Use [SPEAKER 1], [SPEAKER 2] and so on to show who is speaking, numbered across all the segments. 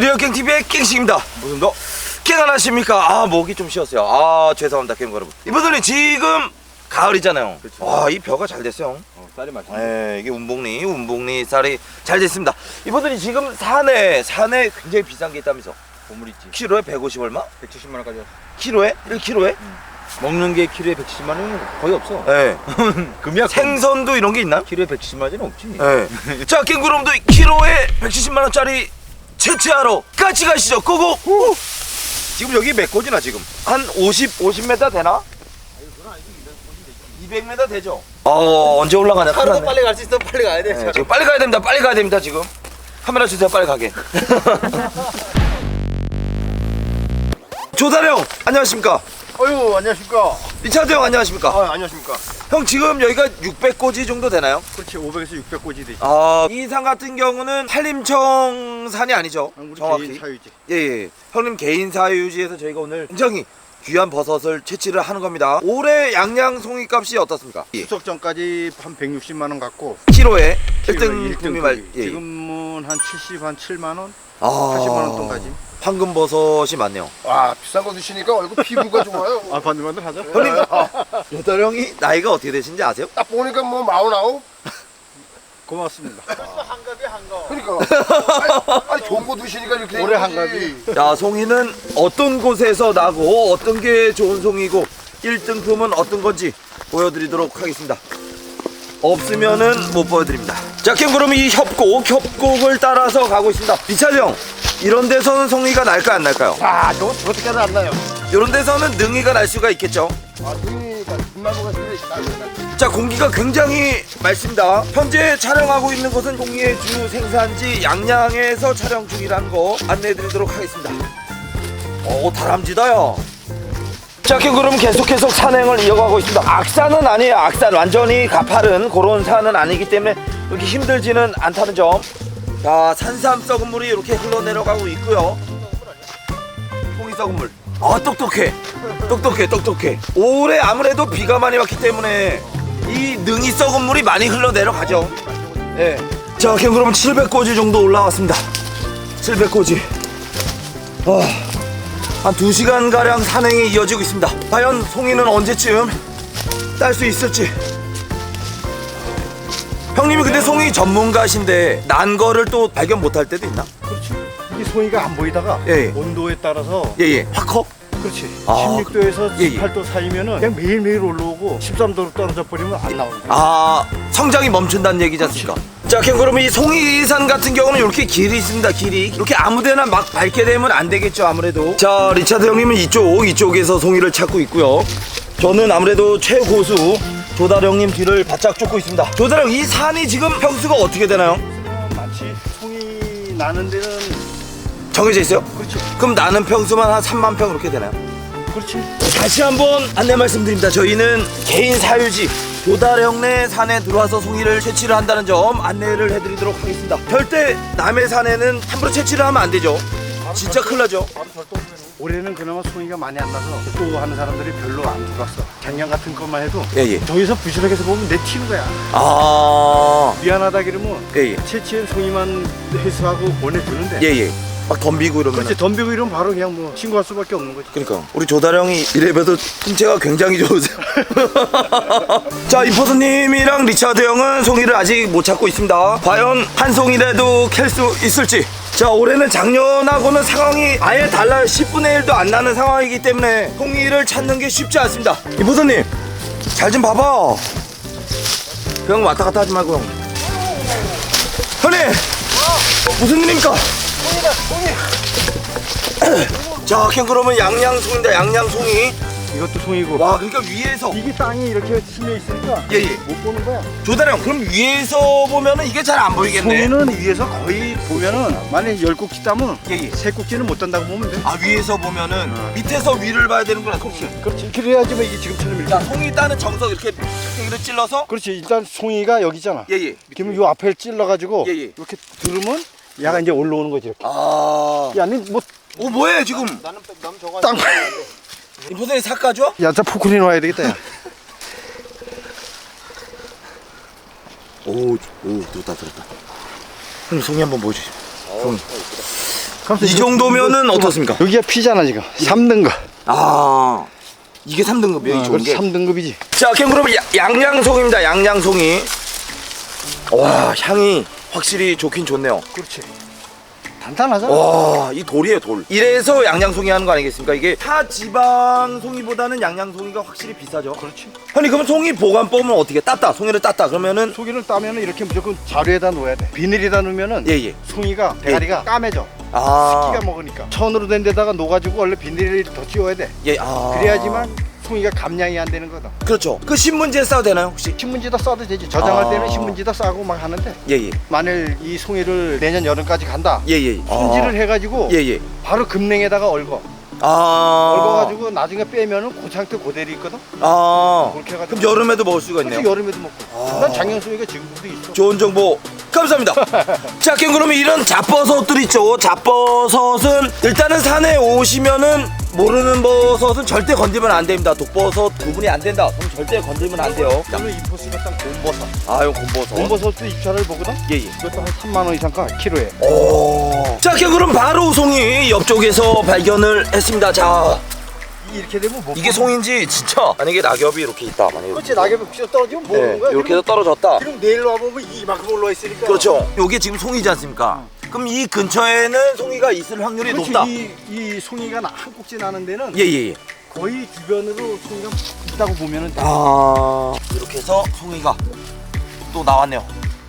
[SPEAKER 1] 리얼갱TV의 갱식입니다. 무슨 더 갱 안 하십니까? 아, 목이 좀 쉬었어요. 아, 죄송합니다, 갱 여러분. 이분들이 지금 가을이잖아요.
[SPEAKER 2] 그렇죠.
[SPEAKER 1] 와, 이 벼가 잘 됐어요.
[SPEAKER 2] 쌀이 맛있네.
[SPEAKER 1] 네, 이게 운봉리 쌀이 잘 됐습니다. 이분들이 지금 산에 굉장히 비싼 게 있다면서.
[SPEAKER 2] 보물 있지.
[SPEAKER 1] 키로에 150 얼마?
[SPEAKER 2] 170만 원까지.
[SPEAKER 1] 키로에? 1키로에?
[SPEAKER 2] 먹는 게 키로에 170만 원은 거의 없어.
[SPEAKER 1] 네.
[SPEAKER 2] 금이야.
[SPEAKER 1] 생선도 이런 게 있나?
[SPEAKER 2] 키로에 170만 원은 없지.
[SPEAKER 1] 네. 자, 갱그럼도 키로에 170만 원짜리 채취하러 같이 가시죠. 고고. 지금 여기 몇 고지나 지금? 한 50m 되나? 200m 되죠? 언제 올라가냐? 큰일
[SPEAKER 2] 하루도
[SPEAKER 1] 났네.
[SPEAKER 2] 빨리 갈 수 있어. 빨리 가야 돼.
[SPEAKER 1] 네, 지금 빨리 가야 됩니다. 빨리 가야 됩니다. 지금 카메라 주세요. 빨리 가게. 조다령 안녕하십니까?
[SPEAKER 3] 어유 안녕하십니까.
[SPEAKER 1] 리차드 형 안녕하십니까?
[SPEAKER 3] 안녕하십니까.
[SPEAKER 1] 형 지금 여기가 600고지 정도 되나요?
[SPEAKER 3] 그렇지 500에서 600고지 되지.
[SPEAKER 1] 이 산 같은 경우는 한림청 산이 아니죠?
[SPEAKER 3] 우리
[SPEAKER 1] 정확히.
[SPEAKER 3] 개인 사유지.
[SPEAKER 1] 예. 형님 개인 사유지에서 저희가 오늘 굉장히 귀한 버섯을 채취를 하는 겁니다. 올해 양양송이 값이 어떻습니까? 예.
[SPEAKER 3] 추석 전까지 한 160만 원 갖고
[SPEAKER 1] 키로에
[SPEAKER 3] 키로에
[SPEAKER 1] 1등
[SPEAKER 3] 일등
[SPEAKER 1] 구미 말.
[SPEAKER 3] 크기.
[SPEAKER 1] 예.
[SPEAKER 3] 지금은 한 70, 한 7만 원,
[SPEAKER 1] 아,
[SPEAKER 3] 80만 원 돈까지.
[SPEAKER 1] 황금 버섯이 많네요.
[SPEAKER 4] 와 비싼 거 드시니까 얼굴 피부가 좋아요.
[SPEAKER 3] 아 반들반들 하죠.
[SPEAKER 1] 형님, 여덟 형이 나이가 어떻게 되신지 아세요?
[SPEAKER 4] 딱 보니까 뭐 49?
[SPEAKER 3] 고맙습니다.
[SPEAKER 4] 그러니까 아니 좋은 거 드시니까 이렇게 된
[SPEAKER 3] 올해
[SPEAKER 4] 거지.
[SPEAKER 3] 한갑이.
[SPEAKER 1] 자, 송이는 어떤 곳에서 나고 어떤 게 좋은 송이고 1등품은 어떤 건지 보여드리도록 하겠습니다. 없으면은 못 보여드립니다. 자, 그럼 이 협곡을 따라서 가고 있습니다. 리차드 형, 이런 데서는 송이가 날까 안 날까요?
[SPEAKER 4] 아 저거 어떻게 하면 안 나요?
[SPEAKER 1] 이런 데서는 능이가 날 수가 있겠죠.
[SPEAKER 4] 아 눈이가 눈나무가 있는데
[SPEAKER 1] 자, 공기가 굉장히 맑습니다. 현재 촬영하고 있는 곳은 송이의 주 생산지 양양에서 촬영 중이라는 거 안내해드리도록 하겠습니다. 다람쥐다요. 자, 그럼 계속해서 산행을 이어가고 있습니다. 악산은 아니에요. 악산 완전히 가파른 그런 산은 아니기 때문에 이렇게 힘들지는 않다는 점. 자, 산삼 썩은 물이 이렇게 흘러내려가고 있고요. 송이 썩은 물. 똑똑해. 올해 아무래도 비가 많이 왔기 때문에 이 능이 썩은 물이 많이 흘러내려가죠. 예. 자, 그럼 700고지 정도 올라왔습니다. 700고지. 한 2시간 가량 산행이 이어지고 있습니다. 과연 송이는 언제쯤 딸 수 있을지. 형님이 근데 송이 전문가신데 난 거를 또 발견 못할 때도 있나?
[SPEAKER 3] 그렇지. 이게 송이가 안 보이다가
[SPEAKER 1] 예.
[SPEAKER 3] 온도에 따라서
[SPEAKER 1] 예예. 확 커?
[SPEAKER 3] 그렇지.
[SPEAKER 1] 아,
[SPEAKER 3] 16도에서
[SPEAKER 1] 예, 예.
[SPEAKER 3] 18도 사이면은 그냥 매일매일 올라오고 13도로 떨어져 버리면 안 나오는 거야.
[SPEAKER 1] 성장이 멈춘다는 얘기지 않습니까? 자, 그러면 이 송이산 같은 경우는 이렇게 길이 있습니다. 길이 이렇게 아무데나 막 밟게 되면 안 되겠죠, 아무래도. 자, 리차드 형님은 이쪽에서 송이를 찾고 있고요. 저는 아무래도 최고수 조다령님 뒤를 바짝 쫓고 있습니다. 조다령, 이 산이 지금 평수가 어떻게 되나요?
[SPEAKER 3] 마치 송이 나는 데는
[SPEAKER 1] 정해져 있어요?
[SPEAKER 3] 그렇지.
[SPEAKER 1] 그럼 나는 평수만 한 3만 평 이렇게 되나요?
[SPEAKER 3] 그렇지.
[SPEAKER 1] 다시 한번 안내 말씀드립니다. 저희는 개인 사유지 조다령네 산에 들어와서 송이를 채취를 한다는 점 안내를 해드리도록 하겠습니다. 절대 남의 산에는 함부로 채취를 하면 안 되죠. 진짜 큰일 나죠.
[SPEAKER 3] 올해는 그나마 송이가 많이 안 나서 또 하는 사람들이 별로 안 들어왔어. 작년 같은 것만 해도
[SPEAKER 1] 예예.
[SPEAKER 3] 저기서 부실하게 해서 보면 내 튀는 거야.
[SPEAKER 1] 아,
[SPEAKER 3] 미안하다 그러면
[SPEAKER 1] 예예.
[SPEAKER 3] 채취한 송이만 회수하고 보내주는데
[SPEAKER 1] 예예. 막 덤비고 이러면.
[SPEAKER 3] 그렇지. 덤비고 이러면 바로 그냥 뭐 신고할 수밖에 없는 거지.
[SPEAKER 1] 그러니까 우리 조다령이 이래봬도 신체가 굉장히 좋으세요. 자, 임포스님이랑 리차드 형은 송이를 아직 못 찾고 있습니다. 과연 한 송이라도 캘 수 있을지. 자, 올해는 작년하고는 상황이 아예 달라요. 10분의 1도 안 나는 상황이기 때문에 송이를 찾는 게 쉽지 않습니다. 임포스님, 잘 좀 봐봐. 그냥 왔다 갔다 하지 말고. 형님, 무슨 일입니까? 자, 그러면 양양송입니다. 양양송이.
[SPEAKER 3] 이것도 송이고.
[SPEAKER 1] 와, 그러니까 위에서.
[SPEAKER 3] 이게 땅이 이렇게 스며 있으니까
[SPEAKER 1] 예예.
[SPEAKER 3] 못 보는 거야.
[SPEAKER 1] 조다령, 그럼 위에서 보면은 이게 잘 안 보이겠네.
[SPEAKER 3] 송이는 위에서 거의 보면은 만약에 10꼭지 따면
[SPEAKER 1] 예예.
[SPEAKER 3] 3꼭지는 못 딴다고 보면 돼.
[SPEAKER 1] 아, 위에서 보면은 밑에서 위를 봐야 되는구나. 송이.
[SPEAKER 3] 그렇지. 그래야지만 이게 지금처럼 이렇게.
[SPEAKER 1] 자, 송이 따는 정석 이렇게 찔러서.
[SPEAKER 3] 그렇지. 일단 송이가 여기 있잖아.
[SPEAKER 1] 예예.
[SPEAKER 3] 그러면 요 앞에 찔러가지고
[SPEAKER 1] 예, 예.
[SPEAKER 3] 이렇게 들으면 얘가 이제 올라오는 거지 이렇게.
[SPEAKER 1] 아.
[SPEAKER 3] 야, 니 뭐
[SPEAKER 1] 뭐해 지금?
[SPEAKER 3] 땅.
[SPEAKER 1] 임포선이 삭가죠?
[SPEAKER 3] 야, 저 포크린 와야 되겠다. 야.
[SPEAKER 1] 오, 들었다. 형님 송이 한번 보여주시죠. 송이. 이 정도면은 어떻습니까?
[SPEAKER 3] 여기가 피잖아 지금. 3등급.
[SPEAKER 1] 아, 이게 3등급이에요, 이 좋은 게.
[SPEAKER 3] 3등급이지.
[SPEAKER 1] 자, 그럼 양양송입니다. 양양송이. 와, 향이 확실히 좋긴 좋네요.
[SPEAKER 3] 그렇지. 단단하잖아.
[SPEAKER 1] 와, 이 돌이에요, 돌. 이래서 양양송이 하는 거 아니겠습니까? 이게 타 지방 송이보다는 양양송이가 확실히 비싸죠.
[SPEAKER 3] 그렇지.
[SPEAKER 1] 형님, 그럼 송이 보관법은 어떻게? 땄다, 송이를 땄다. 그러면은
[SPEAKER 3] 송이를 따면 이렇게 무조건 자루에다 놓아야 돼. 비닐에다 놓으면은
[SPEAKER 1] 예.
[SPEAKER 3] 송이가 대가리가 까매져.
[SPEAKER 1] 아,
[SPEAKER 3] 끼가 먹으니까. 천으로 된 데다가 녹아지고 원래 비닐을 더 씌워야 돼.
[SPEAKER 1] 예, 아.
[SPEAKER 3] 그래야지만 송이가 감량이 안 되는 거다.
[SPEAKER 1] 그렇죠. 그 신문지에 싸도 되나요, 혹시?
[SPEAKER 3] 신문지에다 싸도 되지. 저장할
[SPEAKER 1] 아.
[SPEAKER 3] 때는 신문지에다 싸고 막 하는데
[SPEAKER 1] 예.
[SPEAKER 3] 만일 이 송이를 내년 여름까지 간다.
[SPEAKER 1] 예.
[SPEAKER 3] 손질을 해가지고
[SPEAKER 1] 예.
[SPEAKER 3] 바로 금냉에다가 얽어.
[SPEAKER 1] 아.
[SPEAKER 3] 얽어가지고 나중에 빼면은 그 상태 그대로 있거든.
[SPEAKER 1] 아.
[SPEAKER 3] 그렇게 해가지고.
[SPEAKER 1] 그럼 여름에도 먹을 수가
[SPEAKER 3] 그렇지,
[SPEAKER 1] 있네요.
[SPEAKER 3] 여름에도 먹고. 난 작년 송이가 지금도 있어.
[SPEAKER 1] 좋은 정보 감사합니다. 자, 그러면 이런 잡버섯들 있죠. 잡버섯은 일단은 산에 오시면은 모르는 버섯은 절대 건드리면 안 됩니다. 독버섯 구분이 안 된다. 그럼 절대 건드리면 안 돼요. 자,
[SPEAKER 3] 오늘 인포스가 딱 곰버섯.
[SPEAKER 1] 아, 이거 곰버섯.
[SPEAKER 3] 곰버섯도 입찰을 보거든.
[SPEAKER 1] 예.
[SPEAKER 3] 이것도 한 3만 원 이상 가 키로에.
[SPEAKER 1] 오. 자, 그럼 바로 송이 옆쪽에서 발견을 했습니다. 자,
[SPEAKER 3] 이렇게 되면 못.
[SPEAKER 1] 이게 송인지 진짜 만약에 낙엽이 이렇게 있다. 만약에
[SPEAKER 3] 그렇지, 낙엽이 혹시 떨어지면 모르는 거야.
[SPEAKER 1] 이렇게 해서 떨어졌다.
[SPEAKER 3] 그럼 내일 와보면 이만큼 올라와 있으니까.
[SPEAKER 1] 그렇죠. 이게 지금 송이지 않습니까? 그럼 이 근처에는 송이가 있을 확률이
[SPEAKER 3] 그렇지,
[SPEAKER 1] 높다.
[SPEAKER 3] 이 송이가 한 꼭지 나는 데는
[SPEAKER 1] 예.
[SPEAKER 3] 거의 주변으로 송이가 있다고 보면은 돼.
[SPEAKER 1] 아, 이렇게 해서 송이가 또 나왔네요.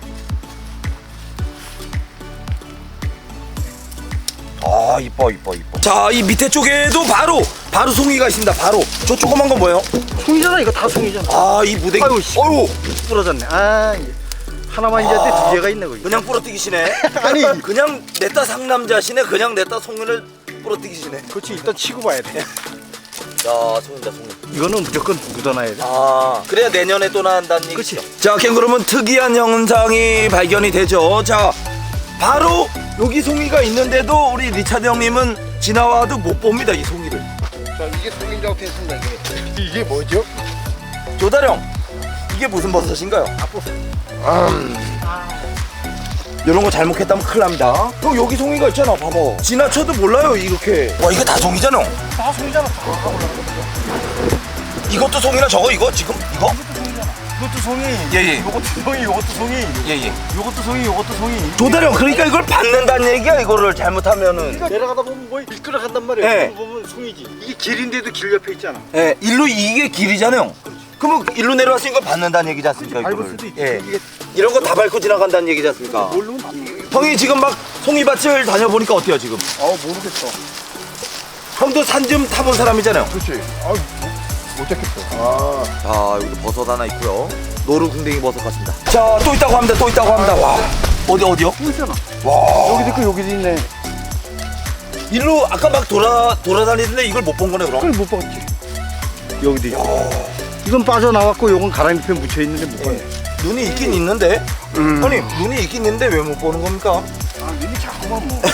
[SPEAKER 1] 아, 이뻐. 자, 이 밑에 쪽에도 바로 송이가 있습니다. 바로 저 조그만 건 뭐예요?
[SPEAKER 3] 송이잖아, 이거 다 송이잖아.
[SPEAKER 1] 아, 이 무대기.
[SPEAKER 3] 아이고, 씨.
[SPEAKER 1] 어이구,
[SPEAKER 3] 부러졌네. 아, 하나만 이제 두 개가 있네 거기.
[SPEAKER 1] 그냥 부러뜨기시네.
[SPEAKER 3] 아니.
[SPEAKER 1] 그냥 냈다 상남자시네. 그냥 냈다 송이를 부러뜨기시네.
[SPEAKER 3] 그렇지, 일단 치고 봐야 돼.
[SPEAKER 1] 야, 송이다, 송이.
[SPEAKER 3] 이거는 무조건 묻어놔야 돼.
[SPEAKER 1] 아, 그래야 내년에 또 나온다는 얘기죠.
[SPEAKER 3] 그치.
[SPEAKER 1] 자, 그러면 특이한 현상이 발견이 되죠. 자, 바로 여기 송이가 있는데도 우리 리차드 형님은 지나와도 못 봅니다, 이 송이를.
[SPEAKER 4] 자, 이게 송인자고 했습니다. 이게 뭐죠?
[SPEAKER 1] 조다령, 이게 무슨 버섯인가요? 이런 거 잘못했다면 큰일 납니다. 형, 여기 송이가 있잖아, 봐봐. 지나쳐도 몰라요, 이렇게. 와, 이거 다 송이잖아.
[SPEAKER 3] 다 송이잖아.
[SPEAKER 1] 이것도 송이나 저거 이거 지금 이거?
[SPEAKER 3] 이것도 송이.
[SPEAKER 1] 예.
[SPEAKER 3] 이것도 송이. 이것도 송이.
[SPEAKER 1] 예.
[SPEAKER 3] 이것도 송이. 이것도 송이.
[SPEAKER 1] 조다령, 그러니까 이걸 받는다는 얘기야, 이거를 잘못하면은.
[SPEAKER 3] 그러니까 내려가다 보면 뭐 미끄러 간단 말이야.
[SPEAKER 1] 네.
[SPEAKER 3] 그거 보면 송이지. 이게 길인데도 길 옆에 있잖아.
[SPEAKER 1] 예, 일로 이게 길이잖아요. 그러면 일로 내려왔으니까 이걸 받는다는 얘기지 않습니까?
[SPEAKER 3] 밟을
[SPEAKER 1] 이거를.
[SPEAKER 3] 수도 있지.
[SPEAKER 1] 예.
[SPEAKER 3] 이게
[SPEAKER 1] 이런 거 다 밟고 지나간다는 얘기지 않습니까?
[SPEAKER 3] 모르면 안 돼.
[SPEAKER 1] 형이 지금 막 송이밭을 다녀보니까 어때요, 지금?
[SPEAKER 4] 모르겠어.
[SPEAKER 1] 형도 산 좀 타본 사람이잖아요.
[SPEAKER 4] 그렇지. 못 잡겠어.
[SPEAKER 1] 자, 여기도 버섯 하나 있고요. 노루궁뎅이 버섯 같습니다. 자, 또 있다고 합니다. 와, 어디요?
[SPEAKER 3] 또 있잖아.
[SPEAKER 1] 와,
[SPEAKER 3] 여기도 있고 여기도 있네.
[SPEAKER 1] 일로 아까 막 돌아다니는데 이걸 못 본 거네, 그럼?
[SPEAKER 3] 그걸 못 봤지. 여기도 있고. 이건 빠져나왔고 요건 가랑잎에 묻혀 있는데 못 봤네.
[SPEAKER 1] 눈이 있긴 있는데? 아니, 눈이 있긴 있는데 왜 못 보는 겁니까?
[SPEAKER 3] 아, 눈이 자꾸만 뭐.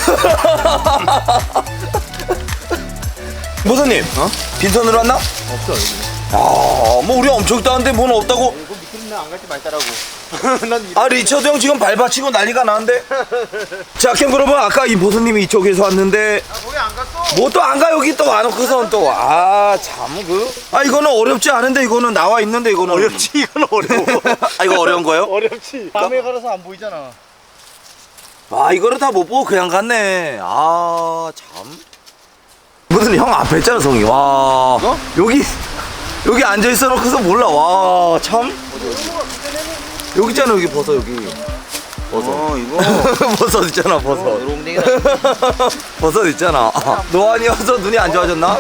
[SPEAKER 1] 모사님, 빈손으로 왔나?
[SPEAKER 2] 없어 여기.
[SPEAKER 1] 아, 뭐 우리 엄청 따는데 뭐는 없다고?
[SPEAKER 2] 이거 미끄럽네 안 갈지 말자라고.
[SPEAKER 1] 아, 리처드 형 지금 발받치고 난리가 나는데? 자, 그러면 아까 이 보스님이 이쪽에서 왔는데
[SPEAKER 2] 거기 안 갔어.
[SPEAKER 1] 뭐 또 안 가, 여기 또 안 오고선 또. 아, 참 이거는 어렵지 않은데, 이거는 나와 있는데, 이거는
[SPEAKER 3] 어렵지, 이건 어려워.
[SPEAKER 1] 아, 이거 어려운 거예요?
[SPEAKER 3] 어렵지. 밤에 가려서 안 보이잖아.
[SPEAKER 1] 아, 이거를 다 못 보고 그냥 갔네. 아, 참. 무슨 형 앞에 있잖아, 성이. 와. 여기 앉아 있어 놓고서 몰라. 와, 참. 여기 있잖아, 여기 버섯, 여기. 버섯.
[SPEAKER 2] 이거.
[SPEAKER 1] 버섯 있잖아, 버섯.
[SPEAKER 2] 노롱댕이다.
[SPEAKER 1] 버섯 있잖아. 노안이어서 눈이 안 좋아졌나?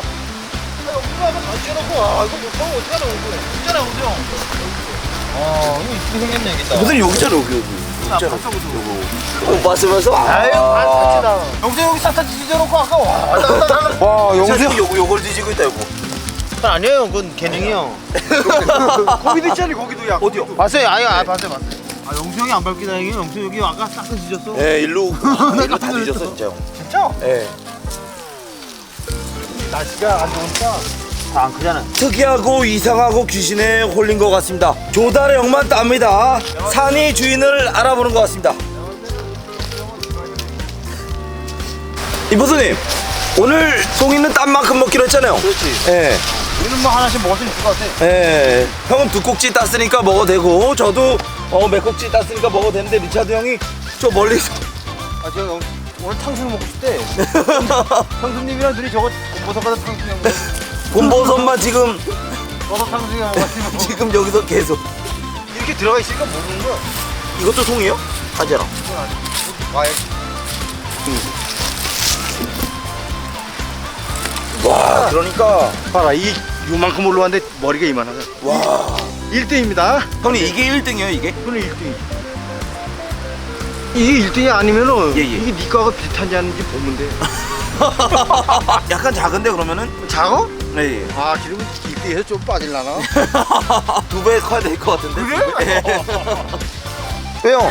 [SPEAKER 2] 이거 이쁘게 생겼네 여기다.
[SPEAKER 1] 무슨 여기 있잖아, 여기. 있잖아. 못 봤으면서.
[SPEAKER 2] 영수 여기 싹다 뒤져놓고 아까 와.
[SPEAKER 1] 와, 영수 요걸 뒤지고 있다, 이거.
[SPEAKER 2] 아니에요, 그건 개능이요.
[SPEAKER 3] 거기도 있잖아, 거기도 야.
[SPEAKER 1] 어디요?
[SPEAKER 2] 봤어요, 봤어요. 아 영수 형이 안 밟기 다행이에요. 영수 여기 아까 싹 다 뒤졌어.
[SPEAKER 1] 예, 일로 다 뒤졌어, 진짜 형.
[SPEAKER 3] 진짜?
[SPEAKER 1] 예.
[SPEAKER 3] 날씨가 안 좋으니까.
[SPEAKER 2] 안 크잖아.
[SPEAKER 1] 특이하고 이상하고 귀신에 홀린 것 같습니다. 조달의 형만 땁니다. 산이 주인을 알아보는 것 같습니다. 이보스님 오늘 송이는 땀만큼 먹기로 했잖아요.
[SPEAKER 2] 그렇지.
[SPEAKER 1] 예.
[SPEAKER 2] 우리는 뭐 하나씩 먹을 수 있을 것 같아.
[SPEAKER 1] 예. 형은 두 꼭지 땄으니까 먹어도 되고 저도 몇 꼭지 땄으니까 먹어도 되는데 리차드 형이 저 멀리서
[SPEAKER 2] 아, 저 오늘 탕수육 먹고 싶대. 형수님이랑 둘이 저거 버섯 가서 탕수육 먹고
[SPEAKER 1] 곰버섯만 지금
[SPEAKER 2] 버섯 탕수육 먹었으면
[SPEAKER 1] 지금 여기서 계속.
[SPEAKER 2] 이렇게 들어가 있으니까 모르는 거야.
[SPEAKER 1] 이것도 송이에요? 아재랑.
[SPEAKER 2] 와야
[SPEAKER 1] 와 그러니까
[SPEAKER 3] 봐라, 이 요만큼 올라왔는데 머리가 이만하다.
[SPEAKER 1] 와
[SPEAKER 3] 1등입니다.
[SPEAKER 1] 형님 이게 1등이에요 이게?
[SPEAKER 3] 그는 1등. 이게 1등이 아니면은
[SPEAKER 1] 예.
[SPEAKER 3] 이게 네 거하고 비슷한지 아닌지 보면 돼.
[SPEAKER 1] 약간 작은데 그러면은?
[SPEAKER 3] 작어?
[SPEAKER 1] 네. 예.
[SPEAKER 3] 아, 그러면 1등에서 좀 빠질라나?
[SPEAKER 1] 2배 커야 될 것 같은데?
[SPEAKER 3] 그래?
[SPEAKER 1] 왜요?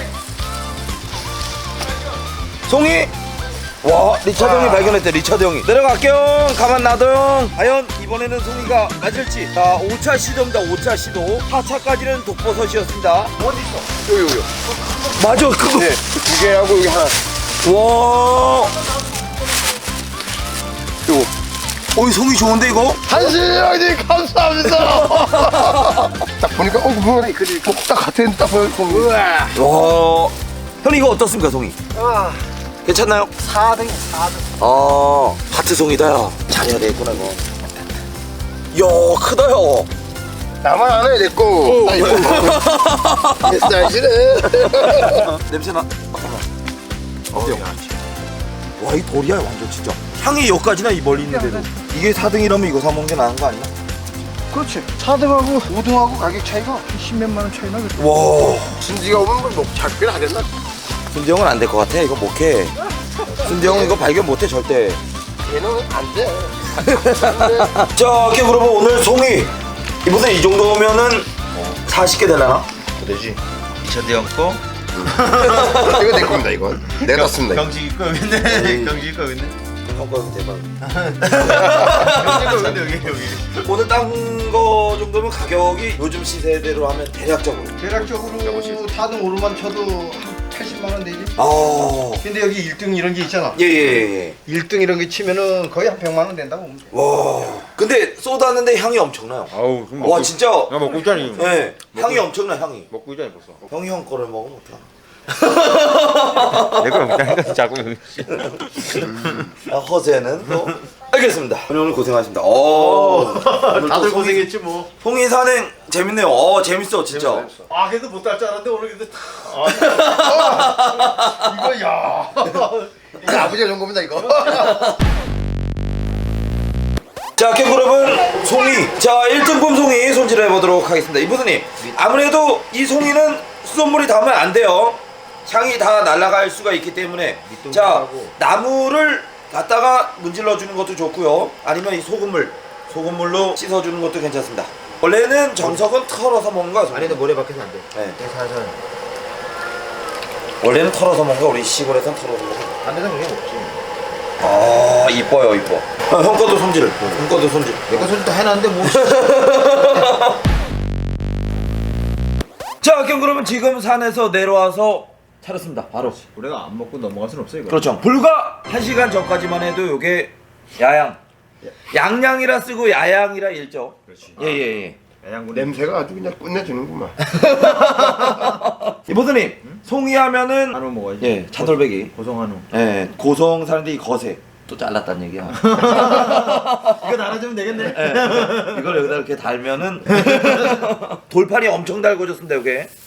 [SPEAKER 1] 송이? 와 리차드 형이 발견했대. 리차드 형이 내려갈게요. 가만 놔둬요. 과연 이번에는 송이가 맞을지. 자 5차 시도입니다. 5차 시도. 4차까지는 독버섯이었습니다.
[SPEAKER 2] 어디 있어?
[SPEAKER 4] 여기.
[SPEAKER 1] 맞아 그거.
[SPEAKER 4] 네. 두 개하고 여기 하나.
[SPEAKER 1] 와.
[SPEAKER 4] 요거.
[SPEAKER 1] 어이 송이 좋은데 이거?
[SPEAKER 4] 한신형님 감사합니다. 딱 보니까 뭐 딱 같은 딱 보여. 우와.
[SPEAKER 1] 와. 형님 이거 어떻습니까 송이?
[SPEAKER 3] 아,
[SPEAKER 1] 괜찮나요?
[SPEAKER 3] 4등.
[SPEAKER 1] 하트 송이다 야. 잘해야 되겠구나 이거. 야 크다 야.
[SPEAKER 4] 나만 안 해, 내 거. 나 이거 먹어. 내 스타일이네.
[SPEAKER 1] 냄새나. 잠깐만. 어때요? 와, 이 돌이야 완전 진짜. 향이 여기까지나 이 멀리 있는데도. 이게 4등이라면 이거 사 먹는 게 나은 거 아니야?
[SPEAKER 3] 그렇지. 4등하고 5등하고 가격 차이가 10몇만 원 차이 나겠다.
[SPEAKER 1] 와,
[SPEAKER 4] 진지가 오면 뭐 작별 하겠나?
[SPEAKER 1] 순지 형은 안 될 것 같아. 이거 못해. 순지 형은 이거 발견 못해 절대.
[SPEAKER 4] 얘는 안 돼.
[SPEAKER 1] 자, 오케이 그러면 오늘 송이 이보세요. 이 정도면은 40개 되려나?
[SPEAKER 4] 되지.
[SPEAKER 2] 리차드 형 거?
[SPEAKER 4] 이거 내 겁니다, 이건. 내가 땄습니다.
[SPEAKER 2] 경식이 거 여기 있네. 경식이 거 여기 있네.
[SPEAKER 1] 형 거는 대박.
[SPEAKER 2] 경식이 거 여기 있네 여기.
[SPEAKER 1] 오늘 딴 거 정도면 가격이 요즘 시세대로 하면 대략적으로.
[SPEAKER 3] 대략적으로 4등 오르만 쳐도 한 80만 원 되지.
[SPEAKER 1] 아,
[SPEAKER 3] 근데 여기 1등 이런 게 있잖아.
[SPEAKER 1] 예.
[SPEAKER 3] 1등 이런 게 치면은 거의 한 100만 원 된다고 보면 돼.
[SPEAKER 1] 와, 근데 쏟았는데 향이 엄청나요.
[SPEAKER 5] 아우 그럼
[SPEAKER 1] 와, 진짜.
[SPEAKER 5] 나 먹고 있잖니.
[SPEAKER 1] 네, 향이 엄청나 향이.
[SPEAKER 5] 먹고 있잖니 벌써.
[SPEAKER 1] 형이 형 거를 먹으면 어떡하.
[SPEAKER 5] 내가 먹자니까 자꾸.
[SPEAKER 1] 허세는 또 알겠습니다. 오늘 고생하셨습니다. 오늘
[SPEAKER 2] 다들
[SPEAKER 1] 또
[SPEAKER 2] 고생했지 뭐.
[SPEAKER 1] 송이 산행 재밌네요. 재밌어 진짜.
[SPEAKER 2] 아 그래도 못 딸 줄 알았는데 오늘 근데
[SPEAKER 3] 이거 야.
[SPEAKER 4] 이거 아버지가 준 겁니다, 이거.
[SPEAKER 1] 자, 여러분 송이. 자, 1등품 송이 손질해 보도록 하겠습니다. 이부스님 아무래도 이 송이는 수돗물이 닿으면 안 돼요. 향이 다 날아갈 수가 있기 때문에 자 나무를 갖다가 문질러 주는 것도 좋고요. 아니면 이 소금물로 씻어 주는 것도 괜찮습니다. 원래는 정석은 털어서 먹는 거야. 송이.
[SPEAKER 2] 안에도 모래 박혀서 안 돼.
[SPEAKER 1] 네.
[SPEAKER 2] 살살.
[SPEAKER 1] 원래는 털어서 먹는 거. 우리 시골에선 털어서 먹는 거.
[SPEAKER 2] 안 돼서 그게 먹지.
[SPEAKER 1] 아 이뻐요 이뻐. 형 거도 손질. 형 거도 손질.
[SPEAKER 2] 내가 소리 다 해놨는데 뭐.
[SPEAKER 1] 자, 그러면 지금 산에서 내려와서 차렸습니다. 바로.
[SPEAKER 2] 우리가 안 먹고 넘어갈 순 없어 이거.
[SPEAKER 1] 그렇죠. 불과 1시간 전까지만 해도 요게 야양. 양양이라 쓰고 야양이라 읽죠.
[SPEAKER 2] 그렇지.
[SPEAKER 1] 예.
[SPEAKER 2] 야양군
[SPEAKER 4] 냄새가 아주 그냥 끝내주는구만.
[SPEAKER 1] 이보드님, 송이 하면은
[SPEAKER 2] 한우 먹어야지.
[SPEAKER 1] 예, 차돌배기.
[SPEAKER 2] 고성 한우.
[SPEAKER 1] 예, 고성 사는데 이 거세 또 잘랐단 얘기야.
[SPEAKER 2] 이거 달아주면 되겠네.
[SPEAKER 1] 예, 이걸 여기다 이렇게 달면은 돌판이 엄청 달궈졌습니다.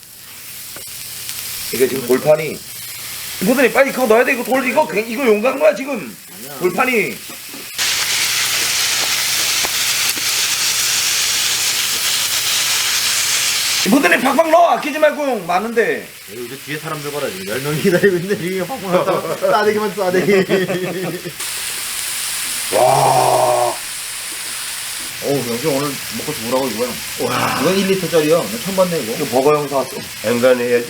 [SPEAKER 1] 이게 지금 돌판이. 이보드님 빨리 그거 넣어야 돼. 이거 용간 거야 지금. 돌판이. 이분들이 팍팍 넣어. 아끼지 말고 많은데.
[SPEAKER 2] 요즘 뒤에 사람들 봐라 지금 10명이 기다리고 있는데 이게 확 나왔다. 싸대기만 싸대기.
[SPEAKER 1] 와.
[SPEAKER 2] 어우 영수 오늘 먹고 죽으라고 이거야. 와. 이건 1리터짜리야. 나 처음 봤네 이거.
[SPEAKER 1] 이거 버거 형 사왔어.
[SPEAKER 4] 엔간해야지.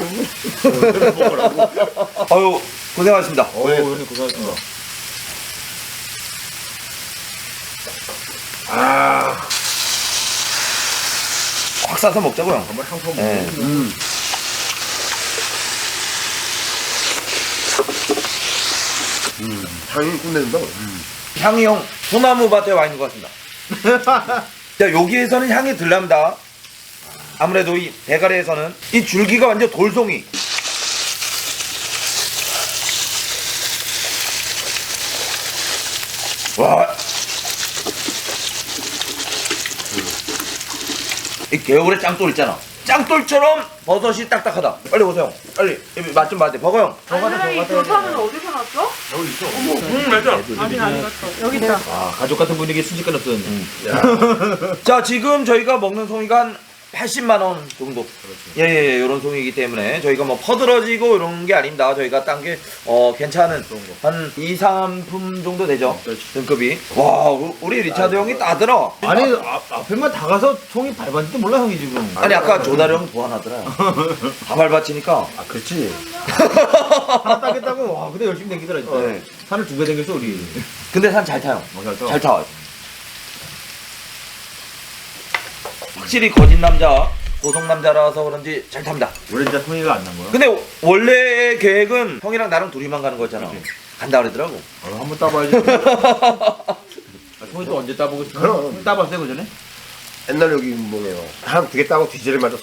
[SPEAKER 1] 아유 고생하셨습니다.
[SPEAKER 2] 어우 형님 고생하셨습니다.
[SPEAKER 1] 확 싸서 먹자고요.
[SPEAKER 2] 정말 향토 먹고.
[SPEAKER 1] 네.
[SPEAKER 4] 향이 끝내준다.
[SPEAKER 1] 향이 형 소나무 밭에 와 있는 것 같습니다. 자, 여기에서는 향이 덜 납니다. 아무래도 이 대가리에서는 이 줄기가 완전 돌송이. 와. 이 개울의 짱돌 있잖아. 짱돌처럼 버섯이 딱딱하다. 빨리 오세요. 빨리 맛 좀 봐야 버거 형.
[SPEAKER 5] 아니, 이 조사는 어디서 났어?
[SPEAKER 1] 여기 있어. 맞아.
[SPEAKER 5] 아직 안 갔어. 여기 있다.
[SPEAKER 2] 아, 가족 같은 분위기 순식간 없었는데.
[SPEAKER 1] 자, 지금 저희가 먹는 송이가 한 80만 원 정도. 예, 이런 송이기 때문에 저희가 뭐 퍼들어지고 이런 게 아닙니다. 저희가 딴 게 괜찮은 한 2, 3품 정도 되죠. 등급이. 와, 우리 리차드 형이 따들어.
[SPEAKER 2] 아니, 앞에만 다 가서 총이 밟았는지도 몰라, 형이 지금.
[SPEAKER 1] 아니 아까 조다리 형 보완하더라. 다 밟아치니까.
[SPEAKER 2] 아, 그렇지. 하나 따겠다고, 와, 근데 열심히 댕기더라, 진짜.
[SPEAKER 1] 네.
[SPEAKER 2] 산을 2배 댕겼어, 우리.
[SPEAKER 1] 근데 산 잘 타요.
[SPEAKER 2] 잘 타.
[SPEAKER 1] 잘 타. 확실히 거짓 남자, 고성 남자라서 그런지 잘 탑니다.
[SPEAKER 2] 원래 진짜 통이가 안 난 거야?
[SPEAKER 1] 근데 원래 계획은 형이랑 나랑 둘이만 가는 거였잖아. 간다 그러더라고.
[SPEAKER 2] 한번 따봐야지. 통이 또 언제 따보고 싶어?
[SPEAKER 4] 그럼.
[SPEAKER 2] 따봤어요, 그 전에?
[SPEAKER 4] 옛날 여기 뭐네요. 한 두 개 따고 뒤지를 맞았어.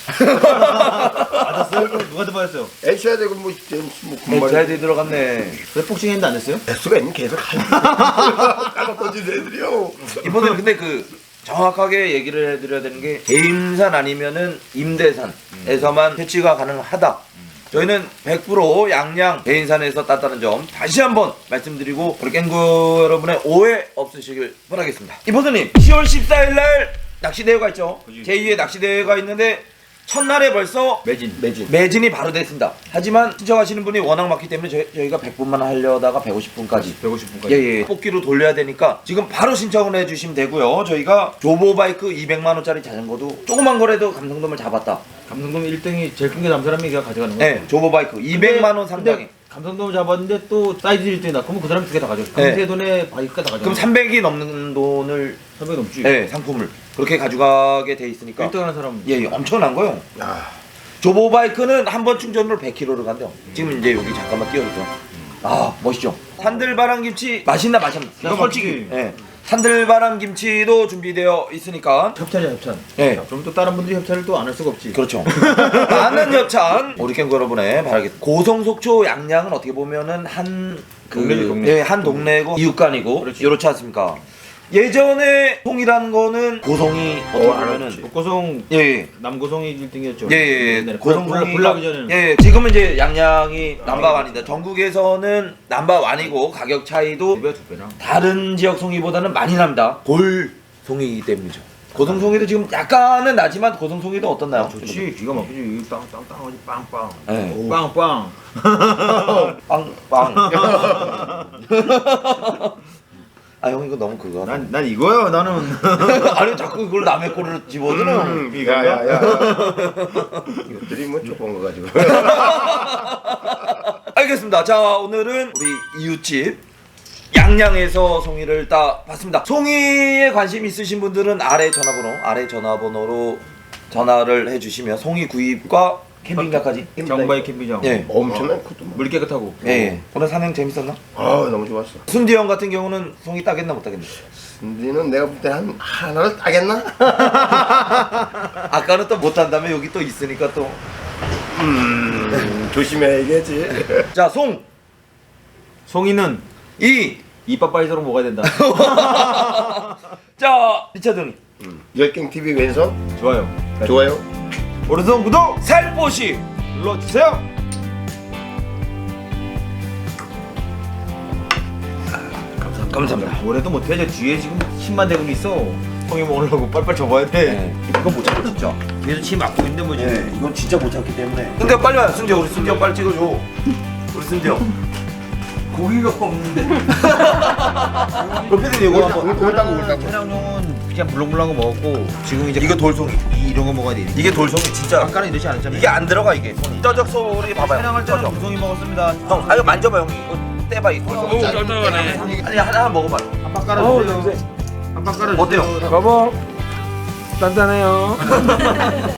[SPEAKER 2] 맞았어요? 누가 따봤어요?
[SPEAKER 4] 애셔야 되고 뭐
[SPEAKER 1] 잘 들어갔네.
[SPEAKER 2] 왜 복싱 했는데 안 했어요?
[SPEAKER 4] 수가 있는 계속 까고 던지는 애들이요.
[SPEAKER 1] 이번에 근데 정확하게 얘기를 해드려야 되는 게 개임산 아니면은 임대산에서만 퇴치가 가능하다. 저희는 100% 양양 개인산에서 땄다는 점 다시 한번 말씀드리고 우리 깽구 여러분의 오해 없으시길 바라겠습니다. 이보드님 10월 14일 날 낚시대회가 있죠. 제2의 낚시대회가 있는데 첫날에 벌써 매진이 바로 됐습니다. 하지만 신청하시는 분이 워낙 많기 때문에 저희가 100분만 하려다가 150분까지
[SPEAKER 2] 150분까지.
[SPEAKER 1] 예. 뽑기로 돌려야 되니까 지금 바로 신청을 해주시면 되고요. 저희가 조보바이크 200만원짜리 자전거도 조그만 거라도 감성돔을 잡았다.
[SPEAKER 2] 감성돔 1등이 제일 큰 게 남은 사람이 걔가 가져가는 거야?
[SPEAKER 1] 네, 조보바이크 200만원 상당히.
[SPEAKER 2] 감성돔을 잡았는데 또 사이즈 1등이다. 그러면 그 사람이 2개 다 가져가. 강세 돈에 바이크가 다 가져가.
[SPEAKER 1] 그럼 300이 넘는 돈을
[SPEAKER 2] 300 넘지.
[SPEAKER 1] 네, 상품을 그렇게 가져가게 돼 있으니까
[SPEAKER 2] 1등 하는 사람.
[SPEAKER 1] 예, 엄청난 거요. 조보바이크는 한 번 충전으로 100km를 간대요. 지금 이제 여기 잠깐만 띄워주죠. 아, 멋있죠. 산들바람 김치 맛있나 마셨나?
[SPEAKER 2] 이거
[SPEAKER 1] 솔직히.
[SPEAKER 2] 맛있지.
[SPEAKER 1] 예. 산들바람 김치도 준비되어 있으니까.
[SPEAKER 2] 협찬이야, 협찬.
[SPEAKER 1] 예.
[SPEAKER 2] 그럼 또 다른 분들이 협찬을 또 안 할 수가 없지.
[SPEAKER 1] 그렇죠. 많은 협찬 우리 깽구 여러분의 바라겠습니다. 고성속초 양양은 어떻게 보면은 한
[SPEAKER 2] 동네지, 동네.
[SPEAKER 1] 예, 한 동네고 이웃간이고
[SPEAKER 2] 그렇지.
[SPEAKER 1] 이렇지 않습니까? 예전에 송이라는 거는 고성이 어떻게 보면은
[SPEAKER 2] 북고성,
[SPEAKER 1] 예.
[SPEAKER 2] 남고성이 1등이었죠.
[SPEAKER 1] 예. 고성송이
[SPEAKER 2] 불나기 전에는.
[SPEAKER 1] 예. 지금은 이제 양양이 넘버원인데 전국에서는 넘버원이고 가격 차이도
[SPEAKER 2] 2배랑.
[SPEAKER 1] 다른 지역 송이보다는 많이 납니다. 골송이이기 때문이죠. 고성송이도 지금 약간은 나지만 고성송이도 어떻나요?
[SPEAKER 2] 좋지. 기가 막히지. 땅땅땅하지 빵빵.
[SPEAKER 1] 예.
[SPEAKER 2] 빵빵.
[SPEAKER 1] 빵빵. 아, 형 이거 너무 그거.
[SPEAKER 2] 난 이거야. 나는.
[SPEAKER 1] 아니 자꾸 그걸 남의 거를 집어들어.
[SPEAKER 4] 야야야. 이것들이 뭐 조그만 거 가지고.
[SPEAKER 1] 알겠습니다. 자, 오늘은 우리 이웃집 양양에서 송이를 따봤습니다. 송이에 관심 있으신 분들은 아래 전화번호로 전화를 해주시면 송이 구입과 캠핑카까지.
[SPEAKER 2] 정바이 캠핑장.
[SPEAKER 1] 예.
[SPEAKER 4] 엄청난 것도 뭐.
[SPEAKER 2] 물 깨끗하고.
[SPEAKER 1] 예. 오늘 산행 재밌었나?
[SPEAKER 4] 아 너무 좋았어.
[SPEAKER 1] 순디 형 같은 경우는 송이 따겠나 못 따겠나?
[SPEAKER 4] 근데는 내가 볼 때 한 하나를 따겠나?
[SPEAKER 1] 아까는 또 못 딴다며 여기 또 있으니까 또.
[SPEAKER 4] 조심해야겠지.
[SPEAKER 1] 자,
[SPEAKER 2] 송이는 이빠빠이서로 먹어야 된다.
[SPEAKER 1] 자, 리차드 형님.
[SPEAKER 4] 열갱 TV 왼손
[SPEAKER 2] 좋아요.
[SPEAKER 4] 좋아요.
[SPEAKER 2] 오른손 구독
[SPEAKER 1] 살포시
[SPEAKER 2] 눌러주세요.
[SPEAKER 1] 감사합니다.
[SPEAKER 2] 올해도 못해. 저 뒤에 지금 침만 대고 있어. 송이 먹으려고 빨빨 접어야 돼.
[SPEAKER 1] 네. 이거 못 참아 진짜.
[SPEAKER 2] 뒤에서 침 막고 있는데 뭐 지금.
[SPEAKER 1] 네, 이건 진짜 못 참기 때문에. 승재 빨리 와. 승재 우리 승재 형 빨리 찍어줘. 우리 승재 형. 고기가 없는데. 그 피디님 이거 한번.
[SPEAKER 4] 올다고.
[SPEAKER 2] 촬영용은 그냥 물렁물렁한 거 먹었고 지금 이제
[SPEAKER 1] 이거 돌송이.
[SPEAKER 2] 이런 거 먹어야 돼.
[SPEAKER 1] 이게 돌송이 진짜.
[SPEAKER 2] 아까는 이러지 않았잖아요.
[SPEAKER 1] 이게 안 들어가 이게. 쩌적 소리 봐봐요.
[SPEAKER 2] 촬영할 때는
[SPEAKER 1] 쩌적.
[SPEAKER 2] 무송이 먹었습니다.
[SPEAKER 1] 형, 아 이거 만져봐 형. 이거 떼봐 이거. 아니 하나 먹어봐.
[SPEAKER 2] 한박 깔아주세요. 한박 깔아주세요.
[SPEAKER 1] 어때요?
[SPEAKER 3] 여보, 단단해요.